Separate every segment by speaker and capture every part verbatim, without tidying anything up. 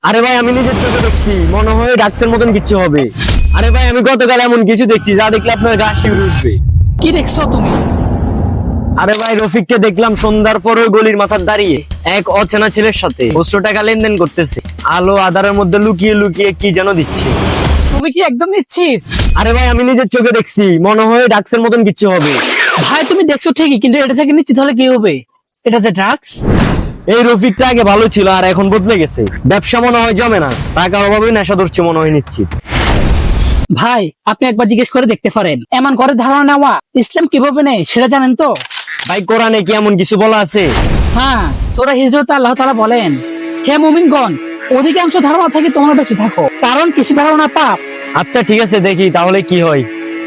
Speaker 1: আরে ভাই আমি নিজের চোখে দেখছি, মনে হয় ডাক্সের মতন কিছু হবে। আরে ভাই আমি গতকাল এমন কিছু দেখছি যা দেখলে আপনার গা শিউরে উঠবে।
Speaker 2: কি দেখছো তুমি?
Speaker 1: আরে ভাই রফিককে দেখলাম সন্ধ্যার পর ওই গলির মাথার দাঁড়িয়ে এক অচেনা ছেলের সাথে খুচরো টাকা লেনদেন করতেছে। আলো আধারের মধ্যে লুকিয়ে লুকিয়ে কি যেন দিচ্ছে।
Speaker 2: তুমি কি একদম নিশ্চিত?
Speaker 1: আরে ভাই আমি নিজের চোখে দেখছি, মনে হয় ডাক্সের মতন কিছু হবে।
Speaker 2: ভাই তুমি দেখছো ঠিকই, কিন্তু এটা থেকে নিশ্চিত হলে কি হবে? এটা যে ড্রাগস।
Speaker 1: এই রফিকটা আগে ভালো ছিল আর এখন বদলে গেছে। ব্যবসা মনে হয় জমে না, টাকার অভাবে নেশা ধরছে মনে হয় নিশ্চিত।
Speaker 2: ভাই আপনি একবার জিজ্ঞেস করে দেখতে পারেন, এমন করে ধারণা নেওয়া ইসলাম কিভাবে নেই সেটা জানেন তো?
Speaker 1: ভাই কোরআনে কি এমন কিছু বলা আছে?
Speaker 2: হ্যাঁ, সূরা হিজরতে আল্লাহ তাআলা বলেন, হে মুমিনগণ, অধিকাংশ ধারণা থেকে তোমরা বেঁচে থাকো, কারণ কিছু ধারণা পাপ।
Speaker 1: আচ্ছা ঠিক আছে, দেখি তাহলে কি হয়।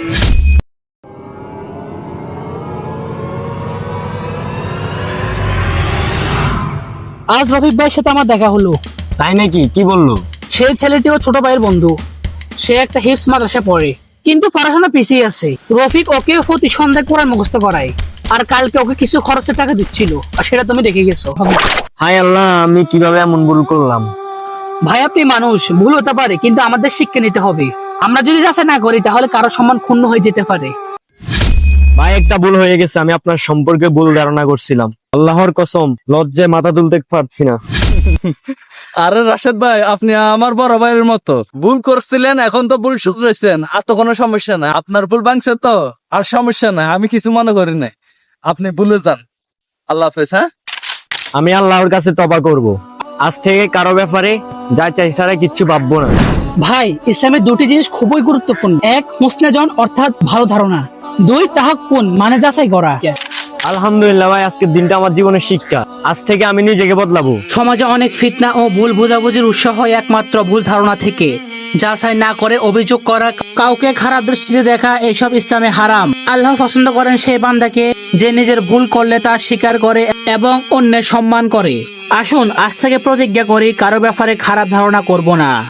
Speaker 2: আজ রফিক ভাইয়ের সাথে আমার দেখা হলো।
Speaker 1: তাই নাকি? কি বললো?
Speaker 2: সেই ছেলেটিও ছোট ভাইয়ের বন্ধু। সে একটা হিপস মাদ্রাসা পড়ে, কিন্তু পড়াশোনা পিছিয়ে আছে। রফিক ওকে প্রতি সন্ধ্যায় কোরআন মুখস্থ করায়, আর কালকে ওকে কিছু খরচের টাকা দিচ্ছিল, আর সেটা তুমি দেখে গেছো।
Speaker 1: হায় আল্লাহ, আমি কিভাবে এমন ভুল করলাম।
Speaker 2: ভাই আপনি মানুষ, ভুল হতে পারে, কিন্তু আমাদের শিক্ষা নিতে হবে। আমরা যদি যাচাই না করি তাহলে কারো সম্মান ক্ষুণ্ণ হয়ে যেতে পারে।
Speaker 1: ভাই একটা ভুল হয়ে গেছে, আমি আপনার সম্পর্কে ভুল ধারণা করছিলাম। আল্লাহর কসম লজ্জায় মাথা তুলতে পারছি না।
Speaker 3: আরে রাশেদ ভাই, আপনি আমার বড় ভাইয়ের মতো ভুল করছিলেন, এখন তো ভুল শুধরাইছেন, আর তো কোনো সমস্যা নাই। আপনার ভুল ভাঙছে তো, আর সমস্যা নাই, আমি কিছু মনে করি নাই। আপনি ভুলে যান। আল্লাহ হাফেজ। হ্যাঁ,
Speaker 1: আমি আল্লাহর কাছে তওবা করব। আজ থেকে কারো ব্যাপারে যা চাই ছাড়া কিচ্ছু ভাববো না।
Speaker 2: ভাই ইসলামের দুটি জিনিস খুবই গুরুত্বপূর্ণ। এক, মুসনাজন অর্থাৎ ভালো ধারণা। দুই, তাহাক্কুন মানে যাচাই করা।
Speaker 1: আলহামদুলিল্লাহ ভাই, আজকের দিনটা আমার জীবনের শিক্ষা। আজ থেকে আমি নিজেকে বদলাবো।
Speaker 2: সমাজে অনেক ফিতনা ও ভুল বোঝাবুঝির উৎস হয় একমাত্র ভুল ধারণা থেকে। যাচাই না করে অভিযোগ করা, কাউকে খারাপ দৃষ্টিতে দেখা, এসব ইসলামে হারাম। আল্লাহ পছন্দ করেন সেই বান্দাকে যে নিজের ভুল করলে তা স্বীকার করে এবং অন্যের সম্মান করে। আসুন আজ থেকে প্রতিজ্ঞা করি, কারো ব্যাপারে খারাপ ধারণা করব না।